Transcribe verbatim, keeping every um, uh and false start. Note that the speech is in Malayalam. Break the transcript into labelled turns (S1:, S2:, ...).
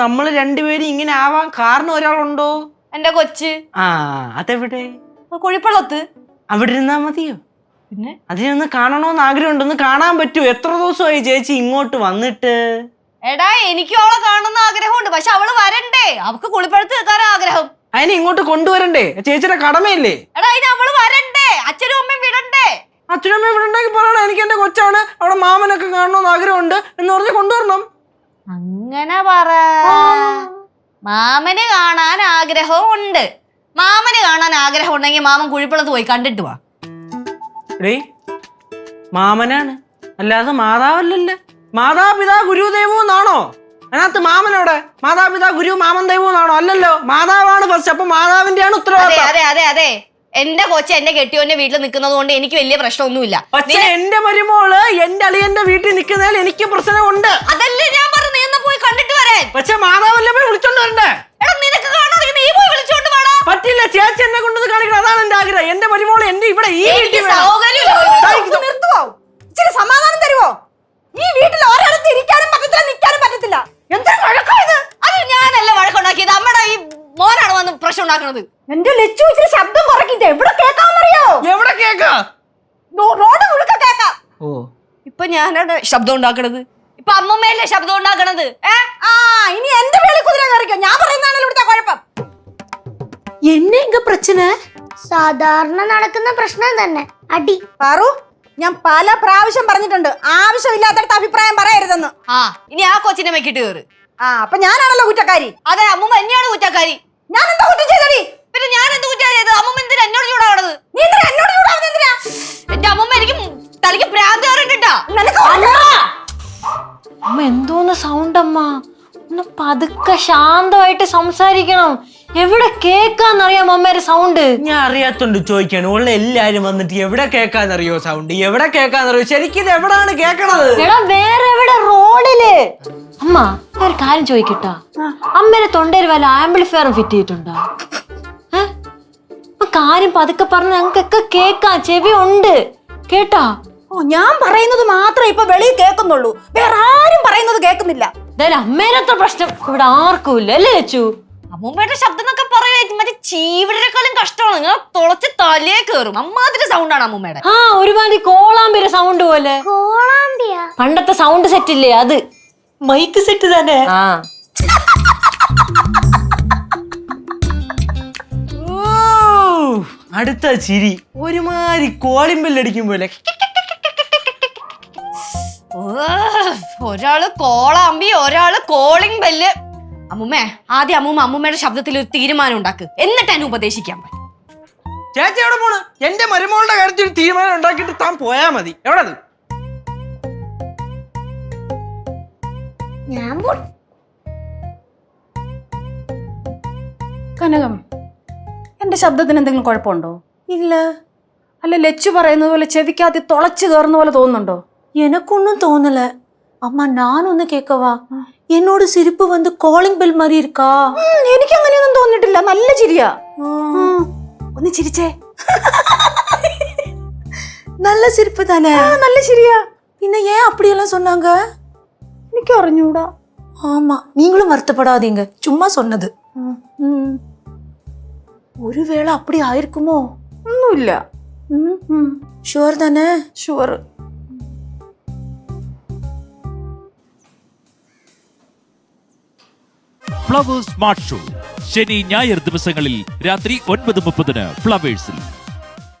S1: നമ്മൾ രണ്ടുപേരും ഇങ്ങനെ ആവാൻ കാരണം ഒരാളുണ്ടോ?
S2: എന്റെ കൊച്ച്.
S1: ആ അതെവിടെ?
S2: കുഴിപ്പള്ളത്ത്.
S1: അവിടെ ഇരുന്നാ മതിയോ?
S2: പിന്നെ
S1: അതിനൊന്ന് കാണണോന്ന് ആഗ്രഹമുണ്ട്. ഒന്ന് കാണാൻ പറ്റുമോ? എത്ര ദിവസമായി ചേച്ചി ഇങ്ങോട്ട് വന്നിട്ട്?
S2: എടാ എനിക്ക് അവളെ കാണുന്ന ആഗ്രഹമുണ്ട്, പക്ഷെ അവള് വരണ്ടേ? അവക്ക് കുളിപ്പഴത്ത് നിൽക്കാൻ ആഗ്രഹം.
S1: അതിനെ ഇങ്ങോട്ട് കൊണ്ടുവരണ്ടേ? ചേച്ചിയുടെ കടമയില്ലേ?
S2: എടാ അതിന് അവള് വരണ്ടേ? അച്ഛനും അമ്മയും വിടണ്ടേ?
S1: അച്ഛനും അമ്മയും വിടണ്ടെങ്കിൽ പറയണം, എനിക്ക് എന്റെ കൊച്ചാണ്, അവിടെ മാമനൊക്കെ കാണണമെന്ന് ആഗ്രഹമുണ്ട് എന്ന് പറഞ്ഞ് കൊണ്ടുവരണം.
S2: അങ്ങനെ പറ. മാമന് കാണാൻ ആഗ്രഹവും ഉണ്ട്. മാമന് കാണാൻ ആഗ്രഹം ഉണ്ടെങ്കിൽ മാമൻ കുഴിപ്പള്ളത്ത് പോയി കണ്ടിട്ട് വാ.
S1: ഡേ മാമനാണ്, അല്ലാതെ മാതാവല്ലല്ലേ. മാതാപിതാ ഗുരുദേവോ എന്നാണോ അതിനകത്ത്? മാമനോടെ മാതാപിതാ ഗുരു മാമൻ ദൈവം എന്നാണോ? അല്ലല്ലോ, മാതാവാണ് ഫസ്റ്റ്. അപ്പൊ മാതാവിന്റെയാണ് ഉത്തരവാദിത്തം.
S2: അതെ അതെ അതെ എന്റെ കൊച്ചു എന്റെ കെട്ടിയോന്റെ വീട്ടിൽ നിൽക്കുന്നത് കൊണ്ട് എനിക്ക് വലിയ പ്രശ്നമൊന്നുമില്ല.
S1: പക്ഷെ എന്റെ മരുമോള് എന്റെ അളിയന്റെ വീട്ടിൽ നിൽക്കുന്നതിൽ എനിക്ക് പ്രശ്നമുണ്ട്.
S2: അതല്ലേ ഞാൻ പറഞ്ഞു, നീ പോയി കണ്ടിട്ട് വരാൻ.
S1: പക്ഷെ മാതാവല്ലേ പോയി വിളിച്ചോണ്ട് വരണ്ടേ?
S2: എടാ നിനക്ക് കാണാതെ നീ പോയി വിളിച്ചോണ്ട് വാടാ.
S1: പറ്റില്ല, ചേച്ചി എന്നെ കൊണ്ടത് കാണിക്കണം, അതാണ് എന്റെ ആഗ്രഹം. എന്റെ മരുമോള് എന്റെ ഇവിടെ ഈ വീട്ടിൽ
S3: നിർത്തുവോ? ഇച്ചിരി സമാധാനം തരുവോ? ഈ വീട്ടിൽ ഒരാൾക്ക് ഇരിക്കാനും പറ്റത്തില്ല, നിൽക്കാനും പറ്റത്തില്ല. എന്തൊരു വഴക്കായത്?
S2: അത് ഞാനല്ല വഴക്കുണ്ടാക്കിയത്, അമ്മയുടെ ഈ മോനാണ് വന്ന് പ്രശ്നം ഉണ്ടാക്കുന്നത്.
S3: എന്റെ ലച്ചു ഇച്ചിരി ശബ്ദം കുറയ്ക്കില്ല. എവിടെ കേൾക്കാമെന്നറിയോ?
S1: എവിടെ കേക്കാ?
S3: റോഡ് മുഴുക്ക കേക്കാം.
S1: ഓ
S2: ഇപ്പൊ ഞാനാണ് ശബ്ദം ഉണ്ടാക്കണത്, ഇപ്പൊ അമ്മമ്മയല്ലേ ശബ്ദം ഉണ്ടാക്കണത്.
S3: ആ ഇനി എന്റെ വേളി കുതിര കയറിക്കോ. ഞാൻ പറയുന്നതാണല്ലോ ഇവിടുത്തെ കുഴപ്പം.
S4: என்ன இங்க பிரச்சனை? സാധാരണ നടക്കുന്ന പ്രശ്നം തന്നെ, അടി.
S3: പാറു, ഞാൻ പല പ്രാവശ്യം പറഞ്ഞിട്ടുണ്ട് ആവശ്യമില്ലാത്തടത്ത് അഭിപ്രായം പറയരുതെന്ന്.
S2: ആ ഇനി ആ കൊച്ചിനെ വെക്കിട്ട് കയറ്.
S3: ആ അപ്പൊ ഞാനാണല്ലോ കുറ്റക്കാരി.
S2: അതെ അമ്മൂമ്മ എന്നെയാണ് കുറ്റക്കാരി.
S3: ഞാൻ എന്താ കുറ്റം ചെയ്തടി?
S2: പിന്നെ ഞാൻ എന്ത് കുറ്റാ ചെയ്തത്? അമ്മൂമ്മ എന്തിനാ എന്നോട് ചൂടാവണത്?
S3: നീ എന്തിനാ എന്നോട് ചൂടാവുന്നത്? എന്തിനാ?
S2: എന്റെ അമ്മൂമ്മ എനിക്ക് തലയ്ക്ക് ഭ്രാന്ത് കയറിട്ടാ.
S4: അമ്മ എന്തോന്ന് സൗണ്ട് അമ്മ? ഒന്ന് പതുക്കെ ശാന്തമായിട്ട് സംസാരിക്കണം. എവിടെ കേക്കാന്നറിയാം അമ്മേരെ സൗണ്ട്?
S1: ഞാൻ അറിയാത്തോണ്ട് ചോദിക്കാണ്. ഉള്ള എല്ലാരും വന്നിട്ട് എവിടെ കേക്കാന്നറിയോ സൗണ്ട്? എവിടെ കേക്കാന്നറിയോ? ശരിക്കും ഇത് എവിടാണ് കേക്കണത്?
S4: എടാ വേറെ എവിടെ? റോഡില്. അമ്മ ഒരു കാര്യം ചോദിക്കട്ടാ, അമ്മേരെ തൊണ്ടയിൽ വല്ല ആംപ്ലിഫയറും ഫിറ്റ് ചെയ്തിട്ടുണ്ടോ? കാര്യം പതുക്കെ പറഞ്ഞ ഞങ്ങൾക്കൊക്കെ കേക്കാം, ചെവി ഉണ്ട് കേട്ടാ.
S3: ഓ ഞാൻ പറയുന്നത് മാത്രമേ ഇപ്പൊ വെളിയിൽ കേൾക്കുന്നുള്ളൂ, വേറെ ആരും പറയുന്നത് കേൾക്കുന്നില്ല.
S4: എന്തായാലും അമ്മേരത്ര പ്രശ്നം ഇവിടെ ആർക്കും ഇല്ല അല്ലേ ചേച്ചു?
S2: അമ്മൂമ്മയുടെ ശബ്ദം എന്നൊക്കെ പറയുക മറ്റേ ചീവിടേക്കാളും കഷ്ടമാണ്. നിങ്ങൾ തുളച്ച് തലേ കയറും, അമ്മാതിരി സൗണ്ടാണ് അമ്മൂമ്മയുടെ.
S4: ആ ഒരുമാതിരി കോളാമ്പിര സൗണ്ട് പോലെ. പണ്ടത്തെ സൗണ്ട് സെറ്റ് ഇല്ലേ അത്? മൈക്ക് സെറ്റ് തന്നെ. ആ
S1: അടുത്ത ചിരി ഒരുമാതിരി കോളിമ്പല്ലടിക്കും പോലെ.
S2: ഒരാള് കോളാമ്പി, ഒരാള് കോളിംഗ് ബെല്ല്. അമ്മൂമ്മേ ആദ്യം അമ്മൂമ്മ അമ്മൂമ്മയുടെ ശബ്ദത്തിൽ ഒരു തീരുമാനം ഉണ്ടാക്ക്, എന്നിട്ട് എന്നെ ഉപദേശിക്കാൻ പറ്റും.
S1: ചേച്ചി എവിടെ പോണ്? എന്റെ മരുമോളുടെ കാര്യത്തിൽ ഒരു തീരുമാനം ഉണ്ടാക്കിയിട്ട് താൻ പോയാ മതി. എവിടെ?
S3: കനകം, എന്റെ ശബ്ദത്തിന് എന്തെങ്കിലും കുഴപ്പമുണ്ടോ?
S4: ഇല്ല.
S3: അല്ല ലച്ചു പറയുന്നത് പോലെ ചെവിക്കകത്ത് തുളച്ചു കയറുന്ന പോലെ തോന്നുന്നുണ്ടോ?
S4: எனக்கொன்னும் തോന്നല. അമ്മ ഞാനൊന്ന് കേക്കവാ, എന്നോട് സിരിപ്പ് വന്ന് കോളിംഗ് ബെൽ മാറി ഇരിക്കാ.
S3: എനിക്ക് അങ്ങനെയൊന്നും തോന്നിട്ടില്ല, നല്ല ചിരിയാ. ഒന്ന് ചിരിച്ചേ.
S4: നല്ല സിരിപ്പ് തന്നെ.
S3: നല്ല ചിരിയാ.
S4: പിന്നെ ஏன் அப்படியெல்லாம் சொன்னாங்க?
S3: എനിക്ക് അറിഞ്ഞൂടാ.
S4: ஆமா நீங்களும் வருத்தப்படாதீங்க, சும்மா சொன்னது. ஒருவேளை அப்படி ஆயிருக்குமோ?
S3: ഒന്നുമില്ല.
S4: ഷുവർ തന്നെ?
S3: ഷുവർ.
S5: ഫ്ലവേഴ്സ് സ്മാർട്ട് ഷോ ശനി ഞായർ ദിവസങ്ങളിൽ രാത്രി ഒൻപത് മുപ്പതിന് ഫ്ലവേഴ്സിൽ.